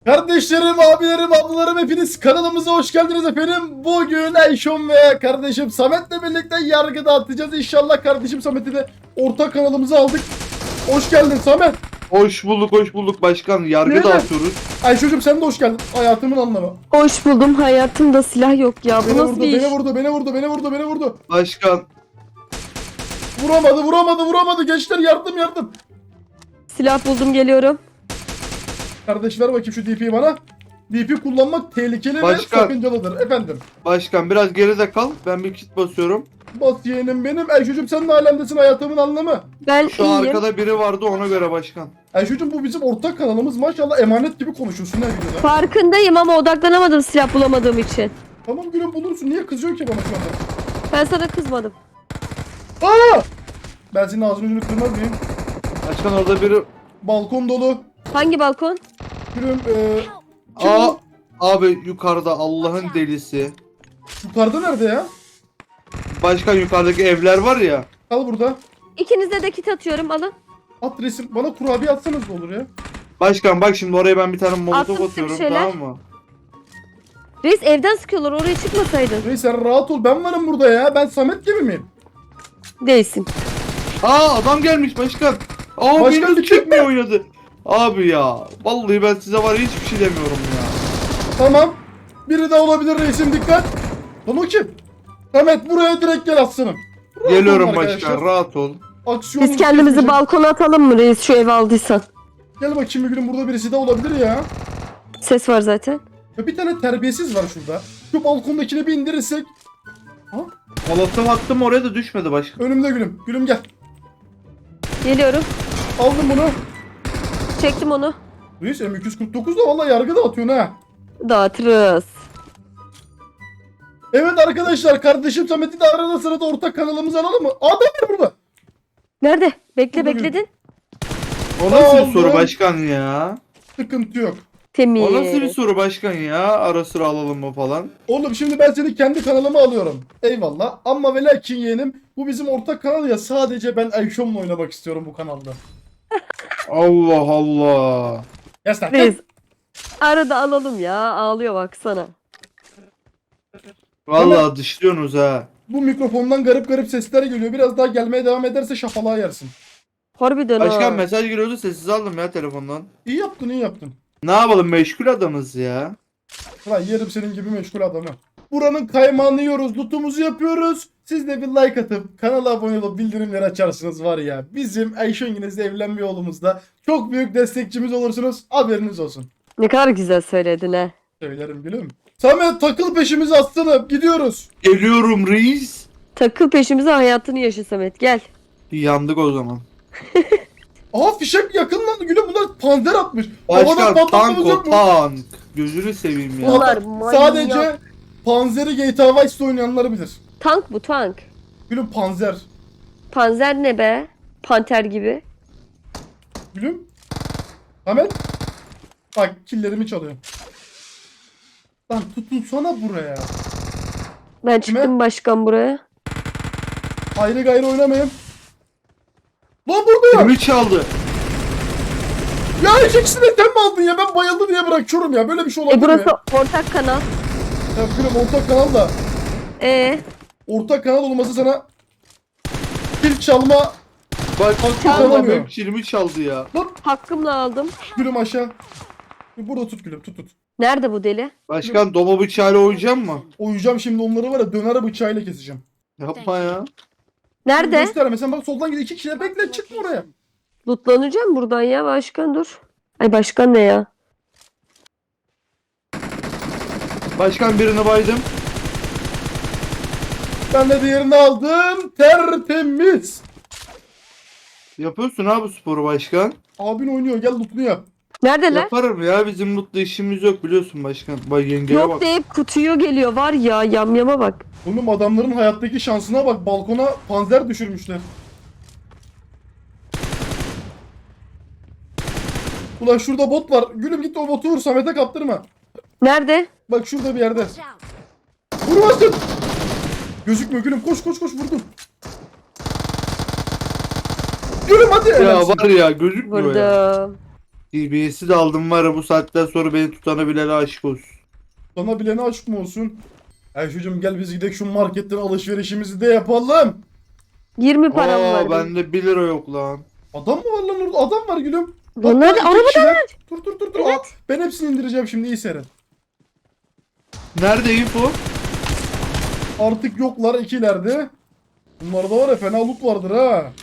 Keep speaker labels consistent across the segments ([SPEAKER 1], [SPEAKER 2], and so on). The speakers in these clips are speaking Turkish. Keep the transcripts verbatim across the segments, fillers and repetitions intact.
[SPEAKER 1] Kardeşlerim, abilerim, ablalarım hepiniz kanalımıza hoş geldiniz efendim. Bugün Ayşon ve kardeşim Samet'le birlikte yargı dağıtacağız. İnşallah kardeşim Samet'i de ortak kanalımıza aldık. Hoş geldin Samet.
[SPEAKER 2] Hoş bulduk, hoş bulduk başkan. Yargı
[SPEAKER 1] Nerede?
[SPEAKER 2] dağıtıyoruz.
[SPEAKER 1] Ayşo'cum sen de hoş geldin. Hayatımın anlamı.
[SPEAKER 3] Hoş buldum. Hayatımda silah yok ya. Bu
[SPEAKER 1] Beni
[SPEAKER 3] nasıl
[SPEAKER 1] vurdu,
[SPEAKER 3] bir iş?
[SPEAKER 1] beni vurdu, beni vurdu, beni vurdu, beni vurdu.
[SPEAKER 2] Başkan.
[SPEAKER 1] Vuramadı, vuramadı, vuramadı. Gençler yardım, yardım.
[SPEAKER 3] Silah buldum, geliyorum.
[SPEAKER 1] Kardeş ver bakayım şu D P'yi bana. D P kullanmak tehlikeli
[SPEAKER 2] Başkan.
[SPEAKER 1] ve sakıncalıdır efendim.
[SPEAKER 2] Başkan biraz geride kal. Ben bir kit basıyorum.
[SPEAKER 1] Bas yeğenim benim. Ayşo'cum sen de alemdesin, hayatımın anlamı.
[SPEAKER 3] Ben
[SPEAKER 2] Şu
[SPEAKER 3] iyiyim.
[SPEAKER 2] arkada biri vardı ona göre başkan.
[SPEAKER 1] Ayşo'cum bu bizim ortak kanalımız. Maşallah emanet gibi konuşuyorsun her videoda.
[SPEAKER 3] Farkındayım ama odaklanamadım silah bulamadığım için.
[SPEAKER 1] Tamam gülüm bulursun. Niye kızıyorsun ki bana şu anda?
[SPEAKER 3] Ben sana kızmadım.
[SPEAKER 1] Aa! Ben senin ağzını yüzünü kırmaz mıyım?
[SPEAKER 2] Başkan orada biri...
[SPEAKER 1] Balkon dolu.
[SPEAKER 3] Hangi balkon?
[SPEAKER 1] Gülüm eee... Kim
[SPEAKER 2] Aa,
[SPEAKER 1] bu?
[SPEAKER 2] abi yukarıda Allah'ın delisi.
[SPEAKER 1] Yukarıda nerede ya?
[SPEAKER 2] Başkan yukarıdaki evler var ya.
[SPEAKER 1] Kal burada.
[SPEAKER 3] İkinize de kit atıyorum, alın.
[SPEAKER 1] At resim. Bana kurabiye atsanız da olur ya.
[SPEAKER 2] Başkan bak şimdi oraya ben bir tane molotof
[SPEAKER 3] Attım size bir
[SPEAKER 2] atıyorum,
[SPEAKER 3] şeyler.
[SPEAKER 2] tamam mı?
[SPEAKER 3] Reis evden sıkıyorlar, oraya çıkmasaydın.
[SPEAKER 1] Reis sen rahat ol. Ben varım burada ya. Ben Samet gibi miyim?
[SPEAKER 3] Değilsin.
[SPEAKER 2] Aa adam gelmiş başkan. Aa
[SPEAKER 1] Başkan
[SPEAKER 2] benim
[SPEAKER 1] bir
[SPEAKER 2] çekmiyor oynadı. Abi ya vallahi ben size var ya hiçbir şey demiyorum ya.
[SPEAKER 1] Tamam. Biri daha olabilir reisim, dikkat. Lan o kim? Samet buraya direkt gel aslanım. Rahat
[SPEAKER 2] Geliyorum
[SPEAKER 1] olun
[SPEAKER 2] başkan,
[SPEAKER 1] arkadaşlar.
[SPEAKER 2] rahat ol.
[SPEAKER 1] Aksiyon
[SPEAKER 3] Biz kendimizi balkona atalım mı reis, şu evi aldıysan?
[SPEAKER 1] Gel bakayım bir gülüm, burada birisi daha olabilir ya.
[SPEAKER 3] Ses var zaten.
[SPEAKER 1] Ya bir tane terbiyesiz var şurada. Şu balkondakini bir indirirsek.
[SPEAKER 2] Molotof attım oraya da düşmedi başkan.
[SPEAKER 1] Önümde gülüm. Gülüm gel.
[SPEAKER 3] Geliyorum.
[SPEAKER 1] Aldım bunu.
[SPEAKER 3] Çektim onu.
[SPEAKER 1] Reis M iki yüz kırk dokuz da valla yargı dağıtıyorsun ha.
[SPEAKER 3] Dağıtırız.
[SPEAKER 1] Evet arkadaşlar, kardeşim Samet'i de arada sırada ortak kanalımıza alalım mı? Adam var burada.
[SPEAKER 3] Nerede? Bekle,
[SPEAKER 1] Burada
[SPEAKER 3] bekledin.
[SPEAKER 2] O nasıl
[SPEAKER 1] Aldım.
[SPEAKER 2] bir soru başkan ya?
[SPEAKER 1] Sıkıntı yok.
[SPEAKER 3] Temiz.
[SPEAKER 2] O nasıl bir soru başkan ya? Ara sıra alalım mı falan?
[SPEAKER 1] Oğlum şimdi ben seni kendi kanalıma alıyorum. Eyvallah. Ama ve lakin yeğenim, bu bizim ortak kanal ya, sadece ben Ayşom'la oynamak istiyorum bu kanalda.
[SPEAKER 2] Allah Allah.
[SPEAKER 1] Ya sen
[SPEAKER 3] Reis. Arada alalım ya. Ağlıyor baksana.
[SPEAKER 2] Vallahi dışlıyorsunuz ha.
[SPEAKER 1] bu mikrofondan garip garip sesler geliyor. Biraz daha gelmeye devam ederse şafalığa yersin.
[SPEAKER 3] Harbiden
[SPEAKER 2] Başkan
[SPEAKER 3] ha.
[SPEAKER 2] mesaj geliyordu sessiz aldım ya telefondan.
[SPEAKER 1] İyi yaptın, iyi yaptın.
[SPEAKER 2] Ne yapalım meşgul adamız ya.
[SPEAKER 1] Lan yerim senin gibi meşgul adamı. Buranın kaymağını yiyoruz, lootumuzu yapıyoruz. Siz de bir like atıp kanala abone olup bildirimleri açarsınız var ya. Bizim Ayşe Yengeniz'le evlenme yolumuzda çok büyük destekçimiz olursunuz. Haberiniz olsun.
[SPEAKER 3] Ne kadar güzel söyledin ha.
[SPEAKER 1] Söylerim gülüm. Samet takıl peşimize aslanım. Gidiyoruz.
[SPEAKER 2] Geliyorum reis.
[SPEAKER 3] Takıl peşimize, hayatını yaşa Samet, gel.
[SPEAKER 2] Yandık o zaman.
[SPEAKER 1] Aha fişek yakınlandı gülüm. Bunlar panzer atmış. Havadan
[SPEAKER 2] Başkan tank
[SPEAKER 1] patlatmamız
[SPEAKER 2] o
[SPEAKER 1] yok mu?
[SPEAKER 2] tank. Gözünü seveyim ya.
[SPEAKER 3] Bunlar
[SPEAKER 1] Ama
[SPEAKER 3] manyak.
[SPEAKER 1] sadece panzeri G T A Vice'de oynayanlar bilir.
[SPEAKER 3] Tank bu, tank.
[SPEAKER 1] Gülüm panzer.
[SPEAKER 3] Panzer ne be? Panter gibi.
[SPEAKER 1] Gülüm. Samet. Bak killerimi çalıyor. Lan tutunsana buraya.
[SPEAKER 3] Ben çıktım başkan buraya.
[SPEAKER 1] Ayrı gayrı oynamayın. Lan burada ya.
[SPEAKER 2] Kimi çaldı?
[SPEAKER 1] Ya ikisini sen mi aldın ya? Ben bayıldı diye bırakıyorum ya. Böyle bir şey olabilir
[SPEAKER 3] E burası
[SPEAKER 1] mi?
[SPEAKER 3] ortak kanal.
[SPEAKER 1] Ya gülüm ortak kanal da.
[SPEAKER 3] E
[SPEAKER 1] Ortak kanal olması sana kill çalma.
[SPEAKER 2] Bak
[SPEAKER 1] Çalmıyor.
[SPEAKER 2] adam hep kilimi çaldı ya.
[SPEAKER 3] hakkımla aldım.
[SPEAKER 1] Gülüm aşağı. Burada tut gülüm, tut tut.
[SPEAKER 3] Nerede bu deli?
[SPEAKER 2] Başkan doma bıçağıyla oynayacak mı?
[SPEAKER 1] Oyacağım şimdi onları, var ya, döner bıçağıyla keseceğim.
[SPEAKER 2] Yapma ya.
[SPEAKER 3] Nerede?
[SPEAKER 1] Gösterme sen, bak soldan gidiyor. İki kişiler bekle, çıkma oraya.
[SPEAKER 3] Lootlanacağım buradan ya başkan, dur. Ay başkan ne ya?
[SPEAKER 2] Başkan birini baydım.
[SPEAKER 1] Ben de diğerini aldım. Tertemiz.
[SPEAKER 2] Yapıyorsun abi sporu başkan.
[SPEAKER 1] Abin oynuyor, gel lootunu yap.
[SPEAKER 3] Neredeler?
[SPEAKER 2] Yaparım ya bizim mutlu işimiz yok biliyorsun başkan. Bak yengeye
[SPEAKER 3] Yok
[SPEAKER 2] bak.
[SPEAKER 3] deyip kutuyu geliyor var ya, yamyama bak.
[SPEAKER 1] Oğlum adamların hayattaki şansına bak, balkona panzer düşürmüşler. Ulan şurada bot var. Gülüm git o botu vur, Samet'e kaptırma.
[SPEAKER 3] Nerede?
[SPEAKER 1] Bak şurada bir yerde. Vurmasın. Gözükmüyor gülüm, koş koş koş, vurdum. Gülüm hadi.
[SPEAKER 2] Ya
[SPEAKER 1] Helalsin.
[SPEAKER 2] var ya gözükmüyor ya.
[SPEAKER 3] Burada.
[SPEAKER 2] D B S'i de aldım var ya, bu saatten sonra beni tutana bilene aşık olsun.
[SPEAKER 1] Sana bilene aşk mı olsun? Ayşe'cim gel biz gidelim şu marketten alışverişimizi de yapalım.
[SPEAKER 3] yirmi param
[SPEAKER 2] Aa
[SPEAKER 3] var. benim.
[SPEAKER 2] bende bir lira yok lan.
[SPEAKER 1] Adam mı var lan orada? Adam var gülüm.
[SPEAKER 3] Lan
[SPEAKER 1] Bak,
[SPEAKER 3] nerede?
[SPEAKER 1] bak, iki
[SPEAKER 3] Arabada
[SPEAKER 1] kişiler.
[SPEAKER 3] var.
[SPEAKER 1] Dur dur dur dur.
[SPEAKER 3] Evet.
[SPEAKER 1] Aa, ben hepsini indireceğim şimdi, iyi seyret.
[SPEAKER 2] Nerede info?
[SPEAKER 1] Artık yoklar, ikilerde. Bunlarda var ya, fena loot vardır ha.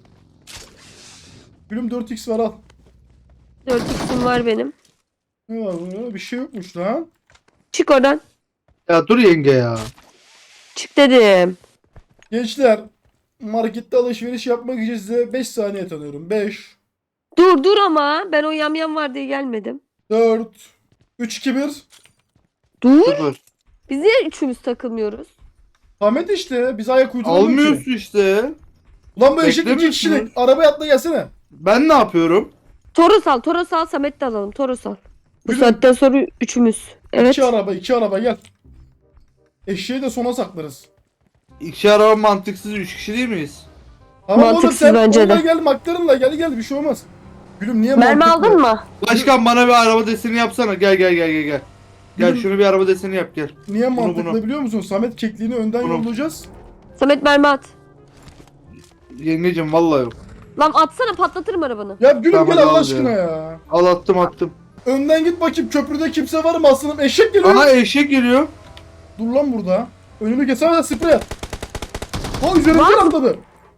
[SPEAKER 1] Gülüm dört x var, al.
[SPEAKER 3] dört x'im var benim.
[SPEAKER 1] Ne var burada? Bir şey yokmuş lan.
[SPEAKER 3] Çık oradan.
[SPEAKER 2] Ya dur yenge ya.
[SPEAKER 3] Çık dedim.
[SPEAKER 1] Gençler, markette alışveriş yapmak için size beş saniye tanıyorum. beş,
[SPEAKER 3] Dur dur ama ben o yamyam var diye gelmedim.
[SPEAKER 1] dört, üç, iki, bir.
[SPEAKER 3] Dur.
[SPEAKER 2] Sıfır.
[SPEAKER 3] Biz niye üçümüz takılmıyoruz?
[SPEAKER 1] Ahmet işte, biz ayak uyduramıyoruz ki.
[SPEAKER 2] Almıyorsun işte.
[SPEAKER 1] Ulan bu eşek iki
[SPEAKER 2] Beklemiyorsunuz.
[SPEAKER 1] kişilik. Arabaya atla gelsene.
[SPEAKER 2] Ben ne yapıyorum?
[SPEAKER 3] Toros al. Toros al. Samet de alalım. Toros al. Bu
[SPEAKER 1] Gülüm.
[SPEAKER 3] saatten sonra üçümüz. Evet.
[SPEAKER 1] İki araba, iki araba gel. Eşeği de sona saklarız.
[SPEAKER 2] İki araba mantıksız, üç kişi değil miyiz?
[SPEAKER 1] Ama oğlum
[SPEAKER 3] Mantıksız
[SPEAKER 1] sen
[SPEAKER 3] bence
[SPEAKER 1] onunla
[SPEAKER 3] de.
[SPEAKER 1] gel, McLaren'la gel gel, bir şey olmaz. Gülüm niye
[SPEAKER 3] Mermi
[SPEAKER 1] mantıklı?
[SPEAKER 3] aldın mı?
[SPEAKER 2] Başkan bana bir araba deseni yapsana. Gel gel gel gel gel. Gel
[SPEAKER 1] Gülüm,
[SPEAKER 2] şunu bir araba deseni yap gel.
[SPEAKER 1] niye
[SPEAKER 2] bunu,
[SPEAKER 1] mantıklı
[SPEAKER 2] bunu.
[SPEAKER 1] biliyor musun? Samet kekliğini önden
[SPEAKER 2] Bunu.
[SPEAKER 1] yollayacağız.
[SPEAKER 3] Samet mermi at.
[SPEAKER 2] Yengecim vallahi yok.
[SPEAKER 3] Lan atsana patlatırım arabanı.
[SPEAKER 1] Ya gülüm
[SPEAKER 2] Tamam,
[SPEAKER 1] gel
[SPEAKER 2] hadi
[SPEAKER 1] Allah
[SPEAKER 2] al
[SPEAKER 1] aşkına
[SPEAKER 2] ya.
[SPEAKER 1] ya.
[SPEAKER 2] Al attım attım.
[SPEAKER 1] Önden git bakayım, köprüde kimse var mı aslanım? Eşek geliyor.
[SPEAKER 2] Aha eşek geliyor.
[SPEAKER 1] Dur lan burada. Önümü kesemeden sprey at. Ha üzerimden
[SPEAKER 3] Var.
[SPEAKER 1] atladı.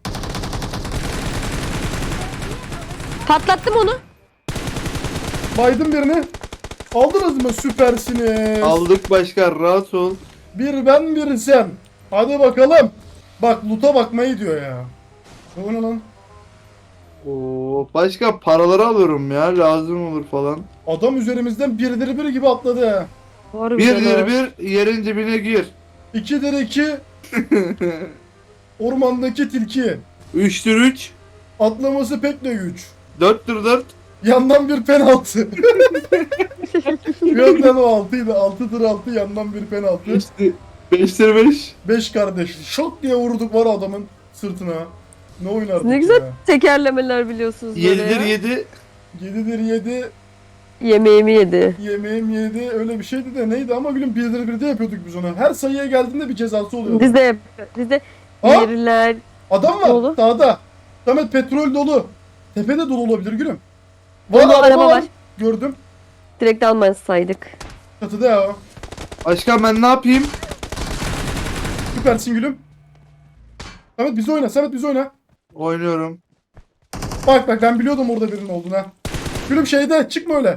[SPEAKER 3] Patlattım onu.
[SPEAKER 1] Baydım birini. Aldınız mı? Süpersiniz.
[SPEAKER 2] Aldık başkan, rahat ol.
[SPEAKER 1] Bir ben bir sen. Hadi bakalım. Bak loot'a bakmayı diyor ya. O ne lan?
[SPEAKER 2] Oo, başkan paraları alıyorum ya, lazım olur falan.
[SPEAKER 1] Adam üzerimizden birdir bir gibi atladı ha.
[SPEAKER 3] Harbiden
[SPEAKER 2] Birdir
[SPEAKER 3] ha.
[SPEAKER 2] bir, yerin dibine gir.
[SPEAKER 1] İkidir iki. Ormandaki tilki.
[SPEAKER 2] Üçtür üç.
[SPEAKER 1] Atlaması pek de güç.
[SPEAKER 2] Dörttür dört.
[SPEAKER 1] Yandan bir penaltı. Yönden o altıydı. Altıdır altı, yandan bir penaltı.
[SPEAKER 2] Beştir, beştir beş.
[SPEAKER 1] Beş kardeş. Şok diye vurduk var adamın sırtına. Ne oynardık
[SPEAKER 3] Ne güzel
[SPEAKER 1] ya.
[SPEAKER 3] tekerlemeler biliyorsunuz böyle
[SPEAKER 2] Yedidir
[SPEAKER 3] ya.
[SPEAKER 2] yedi.
[SPEAKER 1] Yedidir yedi.
[SPEAKER 3] Yemeğimi yedi.
[SPEAKER 1] Yemeğim yedi. Öyle bir şeydi de neydi ama gülüm birdir birde yapıyorduk biz onu. Her sayıya geldiğinde bir cezası oluyordu.
[SPEAKER 3] Biz de yapıyoruz. Biz de
[SPEAKER 1] Aa!
[SPEAKER 3] yerler.
[SPEAKER 1] Adam var
[SPEAKER 3] Dolu.
[SPEAKER 1] dağda. Samet petrol dolu. Tepede dolu olabilir gülüm. Var,
[SPEAKER 3] Dolu araba var.
[SPEAKER 1] Gördüm.
[SPEAKER 3] Direkt almasaydık.
[SPEAKER 1] Çatıda ya.
[SPEAKER 2] Başkan ben ne yapayım?
[SPEAKER 1] Süpersin gülüm. Samet bizi oyna. Samet bizi oyna.
[SPEAKER 2] Oynuyorum.
[SPEAKER 1] Bak bak ben biliyordum orada birinin olduğunu ha. Gülüm şeyde çıkma öyle.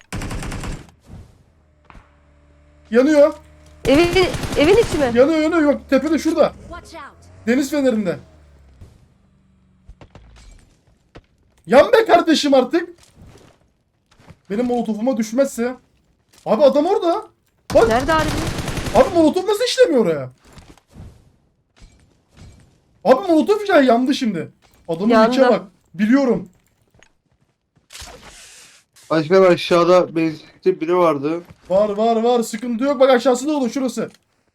[SPEAKER 1] Yanıyor.
[SPEAKER 3] Evin, evin içi mi?
[SPEAKER 1] Yanıyor yanıyor. Yok tepede şurada.
[SPEAKER 4] Watch out!
[SPEAKER 1] Deniz fenerinde. Yan be kardeşim artık. Benim molotofuma düşmezse. Abi adam orada. Bak
[SPEAKER 3] Nerede harbi?
[SPEAKER 1] abi molotof nasıl işlemiyor oraya? Abi molotof ya yandı şimdi. Adamın
[SPEAKER 3] Yandı.
[SPEAKER 1] içe bak. Biliyorum.
[SPEAKER 2] Başkan aşağıda benzinlikte biri vardı.
[SPEAKER 1] Var var var sıkıntı yok. Bak aşağısı da olur şurası.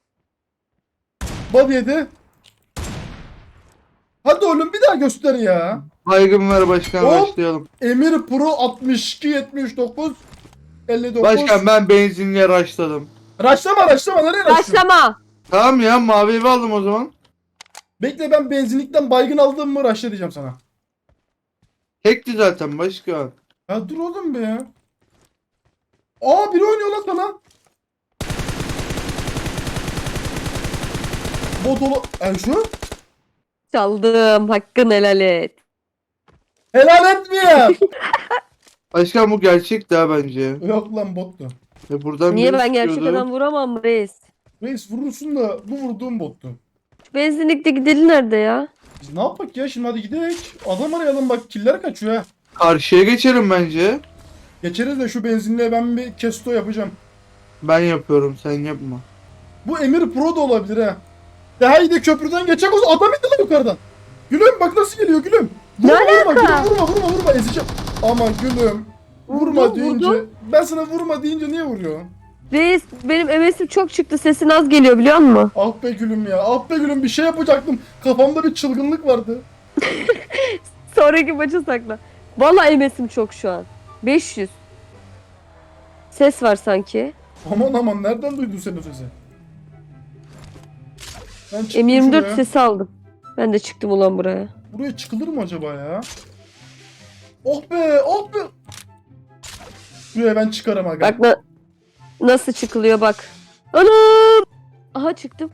[SPEAKER 1] Body yedi. Hadi oğlum bir daha göster ya.
[SPEAKER 2] Baygın ver başkan,
[SPEAKER 1] Hop.
[SPEAKER 2] başlayalım.
[SPEAKER 1] Emir Pro altmış iki yetmiş dokuz elli dokuz.
[SPEAKER 2] Başkan ben benzinliğe raşladım.
[SPEAKER 1] Raşlama raşlama nereye raşlıyorsun?
[SPEAKER 3] Başlama.
[SPEAKER 2] Tamam ya, mavi evi aldım o zaman.
[SPEAKER 1] Bekle ben benzinlikten baygın aldım mı raşla diyeceğim sana.
[SPEAKER 2] Tekti zaten başkan.
[SPEAKER 1] Ya dur oğlum be ya. Aa biri oynuyor lan sana. Bot olu... E şu?
[SPEAKER 3] Çaldım. Hakkını helal et.
[SPEAKER 1] Helal etmeyeyim.
[SPEAKER 2] Başkan bu gerçek daha bence.
[SPEAKER 1] Yok lan bottu.
[SPEAKER 2] Ve buradan
[SPEAKER 3] Niye
[SPEAKER 2] biri
[SPEAKER 3] ben gerçek
[SPEAKER 2] sıkıyordu.
[SPEAKER 3] adam vuramam reis?
[SPEAKER 1] Reis vurursun da bu vurduğum bottu.
[SPEAKER 3] Şu benzinlikteki deli nerede ya?
[SPEAKER 1] Biz ne yapak ya şimdi, hadi gidelim. Adam arayalım bak, killer kaçıyor ha.
[SPEAKER 2] Karşıya geçelim bence.
[SPEAKER 1] Geçeriz de şu benzinliğe ben bir kesto yapacağım.
[SPEAKER 2] Ben yapıyorum, sen yapma.
[SPEAKER 1] Bu Emir Pro da olabilir ha. Daha iyi de köprüden geçecek olsa adam indi lan yukarıdan. Gülüm bak nasıl geliyor gülüm. Vurma
[SPEAKER 3] Ne
[SPEAKER 1] vurma
[SPEAKER 3] alaka?
[SPEAKER 1] gülüm, vurma vurma vurma ezeceğim. Ama gülüm vurma
[SPEAKER 3] Vurdu,
[SPEAKER 1] deyince
[SPEAKER 3] vurdu.
[SPEAKER 1] ben sana vurma deyince niye vuruyorsun?
[SPEAKER 3] Reis benim M S'im çok çıktı. Sesin az geliyor biliyor musun?
[SPEAKER 1] Ah be gülüm ya, ah be gülüm, bir şey yapacaktım. Kafamda bir çılgınlık vardı.
[SPEAKER 3] Sonraki maça sakla. Vallahi M S'im çok şu an. beş yüz. Ses var sanki.
[SPEAKER 1] Aman aman nereden duydun sen o sesi? Ben çıktım
[SPEAKER 3] M yirmi dört
[SPEAKER 1] şuraya.
[SPEAKER 3] sesi aldım. Ben de çıktım ulan buraya.
[SPEAKER 1] Buraya çıkılır mı acaba ya? Oh be oh be. Buraya ben çıkarım aga.
[SPEAKER 3] Bak na- nasıl çıkılıyor bak. Anam! Aha çıktım.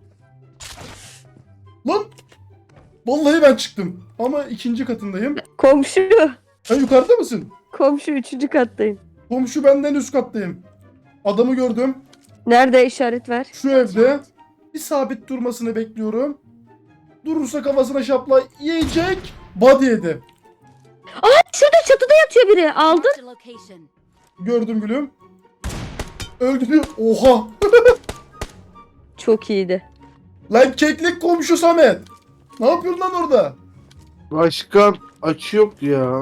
[SPEAKER 1] Lan! Vallahi ben çıktım. Ama ikinci katındayım.
[SPEAKER 3] Komşu.
[SPEAKER 1] Sen yukarıda mısın?
[SPEAKER 3] Komşu üçüncü kattayım.
[SPEAKER 1] Komşu benden üst kattayım. Adamı gördüm.
[SPEAKER 3] Nerede işaret ver.
[SPEAKER 1] Şu evde. Bir sabit durmasını bekliyorum. Durursa kafasına şapla yiyecek. Body yedi.
[SPEAKER 3] Şurada çatıda yatıyor biri. Aldın.
[SPEAKER 4] Marked a location.
[SPEAKER 1] Gördüm gülüm. Öldü diyor. Oha.
[SPEAKER 3] Çok iyiydi.
[SPEAKER 1] Lan keklik komşu Samet. Ne yapıyorsun lan orada?
[SPEAKER 2] Başkan açı yok ya.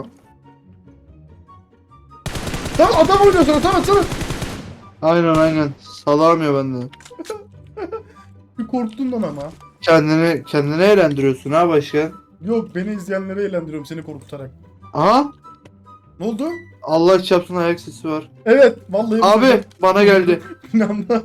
[SPEAKER 1] Tamam adam oynuyor sana Samet Samet.
[SPEAKER 2] Aynen aynen. Salamıyor bende.
[SPEAKER 1] Bir korktun lan ama.
[SPEAKER 2] Kendini kendini eğlendiriyorsun ha başkan.
[SPEAKER 1] Yok beni izleyenleri eğlendiriyorum seni korkutarak.
[SPEAKER 2] Aha.
[SPEAKER 1] Ne oldu?
[SPEAKER 2] Allah çarpsın ayak sesi var.
[SPEAKER 1] Evet vallahi.
[SPEAKER 2] Abi bana geldi.
[SPEAKER 1] İnanma.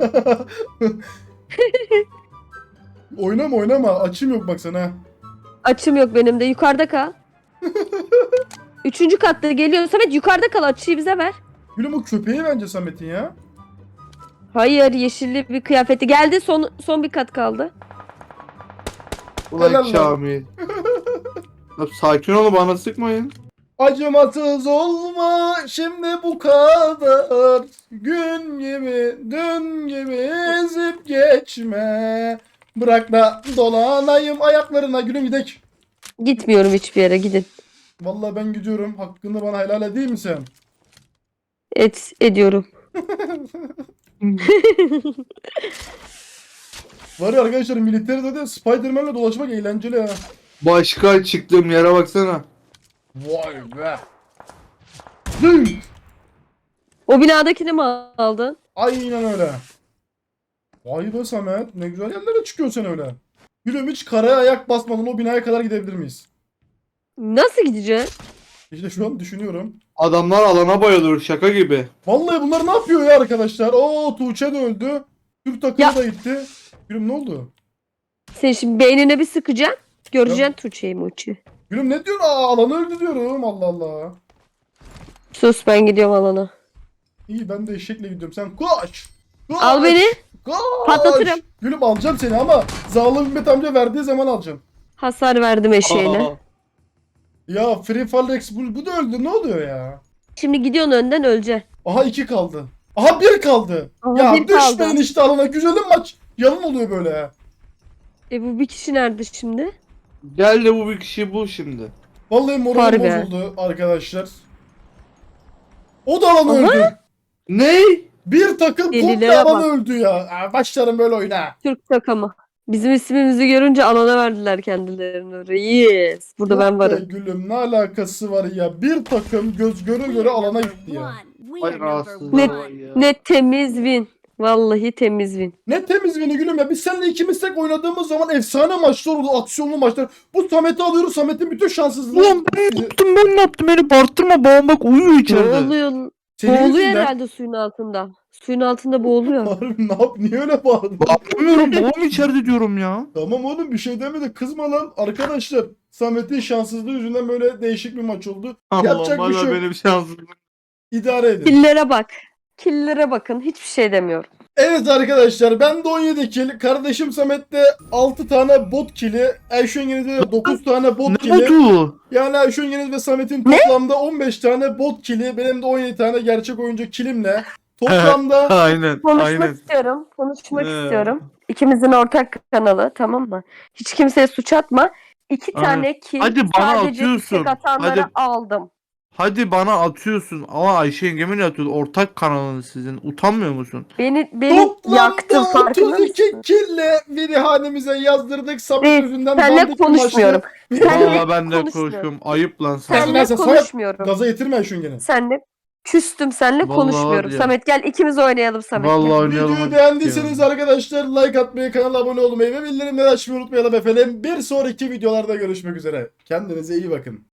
[SPEAKER 1] Oynama oynama açım yok bak sana.
[SPEAKER 3] Açım yok benim de. Yukarıda kal. Üçüncü katta geliyor. Samet yukarıda kal. Açıyı bize ver.
[SPEAKER 1] Gülüm o köpeği bence Samet'in ya.
[SPEAKER 3] Hayır, yeşilli bir kıyafeti. Geldi, son son bir kat kaldı.
[SPEAKER 2] Ulan
[SPEAKER 1] Helal lan.
[SPEAKER 2] Kamil. Ya sakin olun bana sıkmayın.
[SPEAKER 1] Acımasız olma şimdi bu kadar. Gün gibi dün gibi ezip geçme. Bırak da dolanayım ayaklarına gülüm gidek.
[SPEAKER 3] Gitmiyorum hiçbir yere, gidin.
[SPEAKER 1] Vallahi ben gidiyorum. Hakkını bana helal edeyim mi sen?
[SPEAKER 3] Et ediyorum.
[SPEAKER 1] Var ya arkadaşlar militeride de Spider-Man'le dolaşmak eğlenceli ha.
[SPEAKER 2] Başkan çıktığım yere baksana.
[SPEAKER 1] Vay be. Zing!
[SPEAKER 3] O binadakini mi aldın?
[SPEAKER 1] Aynen öyle. Vay be Samet. Ne güzel yerlere çıkıyorsun sen öyle. Gülüm hiç karaya ayak basmadan o binaya kadar gidebilir miyiz?
[SPEAKER 3] Nasıl gideceksin?
[SPEAKER 1] İşte şu an düşünüyorum.
[SPEAKER 2] Adamlar alana bayılıyor şaka gibi.
[SPEAKER 1] Vallahi bunlar ne yapıyor ya arkadaşlar? Oo Tuğçe de öldü. Türk takımı
[SPEAKER 3] Ya.
[SPEAKER 1] da gitti. Gülüm ne oldu?
[SPEAKER 3] Sen şimdi beynine bir sıkacaksın. Göreceksin Tuğçe'yi Muçi.
[SPEAKER 1] Gülüm ne diyorsun? Aa alanı öldü diyorum. Allah Allah.
[SPEAKER 3] Sus, ben gidiyorum alana.
[SPEAKER 1] İyi ben de eşekle gidiyorum. Sen koş. Koş.
[SPEAKER 3] Al beni.
[SPEAKER 1] Koş.
[SPEAKER 3] Patlatırım.
[SPEAKER 1] Gülüm alacağım seni ama Zalim Hikmet amca verdiği zaman alacağım.
[SPEAKER 3] Hasar verdim eşeğine.
[SPEAKER 2] Aa,
[SPEAKER 1] Ya Free Fall Rex bu, bu da öldü. Ne oluyor ya?
[SPEAKER 3] Şimdi gidiyorsun önden, öleceksin.
[SPEAKER 1] Aha iki kaldı. Aha bir kaldı.
[SPEAKER 3] Aha,
[SPEAKER 1] ya
[SPEAKER 3] bir
[SPEAKER 1] düşmeyin
[SPEAKER 3] kaldı.
[SPEAKER 1] işte alana. Güzelim maç. Yalan oluyor böyle.
[SPEAKER 3] E bu bir kişi nerede şimdi?
[SPEAKER 2] Gel de bu bir kişi bul şimdi.
[SPEAKER 1] Vallahi moralim
[SPEAKER 3] Harbi.
[SPEAKER 1] bozuldu arkadaşlar. O da alan
[SPEAKER 3] Aha.
[SPEAKER 1] öldü.
[SPEAKER 2] Ne?
[SPEAKER 1] Bir takım komple
[SPEAKER 3] Delilere
[SPEAKER 1] alan
[SPEAKER 3] bak.
[SPEAKER 1] öldü ya. Aa, başlarım böyle oyuna.
[SPEAKER 3] Türk takımı. Bizim ismimizi görünce alana verdiler kendilerini. Reis. Burada
[SPEAKER 1] Yok
[SPEAKER 3] ben
[SPEAKER 1] be
[SPEAKER 3] varım.
[SPEAKER 1] gülüm ne alakası var ya. Bir takım göz göre göre alana gitti ya.
[SPEAKER 4] We
[SPEAKER 2] Vay
[SPEAKER 4] are number
[SPEAKER 2] rahatsızlar
[SPEAKER 3] Ne-
[SPEAKER 2] vay ya.
[SPEAKER 3] Ne temiz win. Vallahi temiz win.
[SPEAKER 1] Ne temiz beni gülüm ya. Biz seninle ikimiz tek oynadığımız zaman efsane maçlar oldu. Aksiyonlu maçlar. Bu Samet'i alıyoruz. Samet'in bütün şanssızlığı.
[SPEAKER 2] Ulan ben ne yaptım ben ne yaptım beni bağırtırma babam bak uyuyor içeride.
[SPEAKER 3] Boğuluyor.
[SPEAKER 1] Senin
[SPEAKER 3] Boğuluyor
[SPEAKER 1] yüzünden.
[SPEAKER 3] herhalde suyun altında. Suyun altında boğuluyor.
[SPEAKER 1] Harbi ne yap? Niye öyle bağırdın?
[SPEAKER 2] Bağırmıyorum babam içeride diyorum ya.
[SPEAKER 1] Tamam oğlum bir şey demedi. Kızma lan. Arkadaşlar Samet'in şanssızlığı yüzünden böyle değişik bir maç oldu. Yapacak
[SPEAKER 2] Allah'ım
[SPEAKER 1] bir şey
[SPEAKER 2] hala
[SPEAKER 1] yok.
[SPEAKER 2] benim şansım.
[SPEAKER 1] İdare edin.
[SPEAKER 3] Killere bak. Killere bakın. Hiçbir şey demiyorum.
[SPEAKER 1] Evet arkadaşlar ben de on yedi kill. Kardeşim Samet'te altı tane bot kill'i. Ayşe Yeniz'de de dokuz tane bot
[SPEAKER 2] Ne
[SPEAKER 1] kill'i.
[SPEAKER 2] oldu?
[SPEAKER 1] Yani Ayşe Yeniz ve Samet'in toplamda on beş tane bot kill'i. Benim de on yedi tane gerçek oyuncu killimle. Toplamda
[SPEAKER 2] Aynen
[SPEAKER 3] Konuşmak
[SPEAKER 2] aynen.
[SPEAKER 3] istiyorum. Konuşmak
[SPEAKER 2] Ee.
[SPEAKER 3] istiyorum. İkimizin ortak kanalı, tamam mı? Hiç kimseye suç atma. İki
[SPEAKER 2] Aynen.
[SPEAKER 3] tane kill
[SPEAKER 2] Hadi bana
[SPEAKER 3] sadece
[SPEAKER 2] atıyorsun.
[SPEAKER 3] istek atanları
[SPEAKER 2] Hadi.
[SPEAKER 3] aldım.
[SPEAKER 2] Hadi bana atıyorsun ama Ayşe yengemin atıyor. Ortak kanalınız sizin. Utanmıyor musun?
[SPEAKER 3] Beni beni yaktın,
[SPEAKER 1] toplamda
[SPEAKER 3] farkında
[SPEAKER 1] otuz iki
[SPEAKER 3] mısın?
[SPEAKER 1] kill'le biri hanemize yazdırdık. Samet
[SPEAKER 3] Reis,
[SPEAKER 1] yüzünden
[SPEAKER 3] Seninle
[SPEAKER 1] dandik bir
[SPEAKER 3] konuşmuyorum.
[SPEAKER 1] maçtı.
[SPEAKER 3] Senle
[SPEAKER 2] Valla ben de
[SPEAKER 3] konuşmuyorum.
[SPEAKER 2] konuşuyorum. Ayıp lan sana.
[SPEAKER 1] Sen-
[SPEAKER 3] Seninle
[SPEAKER 1] Samet,
[SPEAKER 3] konuşmuyorum.
[SPEAKER 1] Gaza getirme Ayşe Yengen'i.
[SPEAKER 3] Senle küstüm, seninle
[SPEAKER 2] Vallahi
[SPEAKER 3] konuşmuyorum.
[SPEAKER 2] var ya.
[SPEAKER 3] Samet gel ikimiz oynayalım Samet.
[SPEAKER 2] Vallahi
[SPEAKER 3] gel.
[SPEAKER 2] oynayalım.
[SPEAKER 1] Videoyu
[SPEAKER 2] hadi
[SPEAKER 1] beğendiyseniz
[SPEAKER 2] ya.
[SPEAKER 1] arkadaşlar like atmayı, kanala abone olmayı ve bildirimleri açmayı unutmayalım efendim. Bir sonraki videolarda görüşmek üzere. Kendinize iyi bakın.